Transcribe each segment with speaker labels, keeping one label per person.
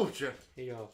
Speaker 1: mówcie.
Speaker 2: Jo.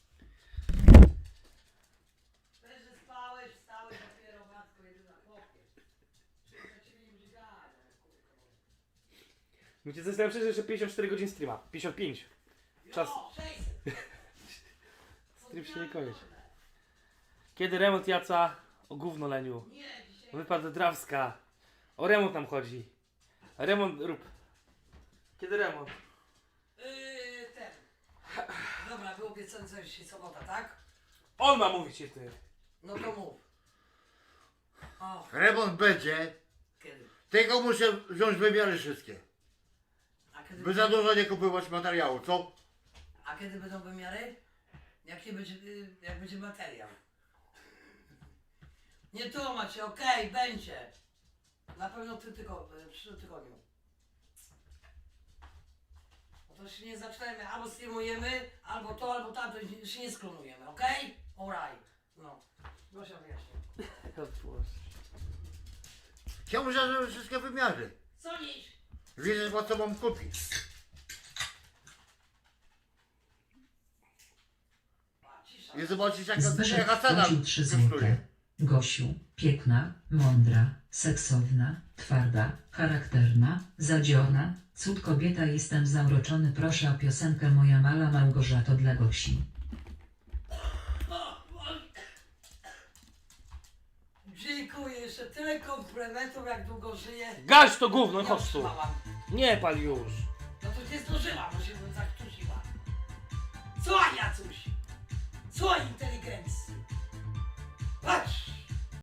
Speaker 3: Też, że spałeś, wstałeś dopiero, matko jedyna, chłopie. Za ciebie nie będzie gadać, kurwa.
Speaker 2: Wiecie, co jest najlepsze, że jeszcze 54 godzin streama. 55. Czas.
Speaker 3: Jo, 600.
Speaker 2: Stream się nie kończy. Kiedy remont Jaca? O gówno Leniu.
Speaker 3: Nie, dzisiaj...
Speaker 2: Wypadł Drawska. O remont nam chodzi. Remont rób. Kiedy remont?
Speaker 3: Ten. Dobra, był obiecany za dzisiaj sobota, tak?
Speaker 2: On ma mówić się ty.
Speaker 3: No to mów. O,
Speaker 1: Remont będzie,
Speaker 3: kiedy?
Speaker 1: tylko muszę wziąć wymiary wszystkie.
Speaker 3: A kiedy,
Speaker 1: By za dużo nie kupować materiału, co?
Speaker 3: a kiedy będą wymiary? Jak nie będzie, jak będzie materiał. Nie tłumaczcie, okej, będzie. Na pewno w przyszłym tygodniu. No to się nie zaczynamy, albo streamujemy, albo to, albo tamto, się nie sklonujemy, okej? Alright. No. Proszę wyjaśnić.
Speaker 1: Chciałbym, żeby wszystkie wymiary.
Speaker 3: Co dziś?
Speaker 1: Widzę, po co mam kupić.
Speaker 3: A, cisza.
Speaker 1: I zobaczyć, jaka
Speaker 4: Zbyszek
Speaker 1: cena
Speaker 4: wpłacił 3
Speaker 1: kosztuje.
Speaker 4: złote. Gosiu, piękna, mądra, seksowna, twarda, charakterna, zadziona, cud kobieta, jestem zauroczony, proszę o piosenkę Moja mala Małgorzato dla Gosi.
Speaker 3: Dziękuję, jeszcze tyle komplementów, jak długo żyję.
Speaker 2: Gaś to gówno,
Speaker 3: Nie
Speaker 2: chodź tu.
Speaker 3: otrzymałam.
Speaker 2: Nie pal już.
Speaker 3: No to nie zdążyłam, bo się bym zaktusiła. Co Jacuś? Co inteligencji? Patrz!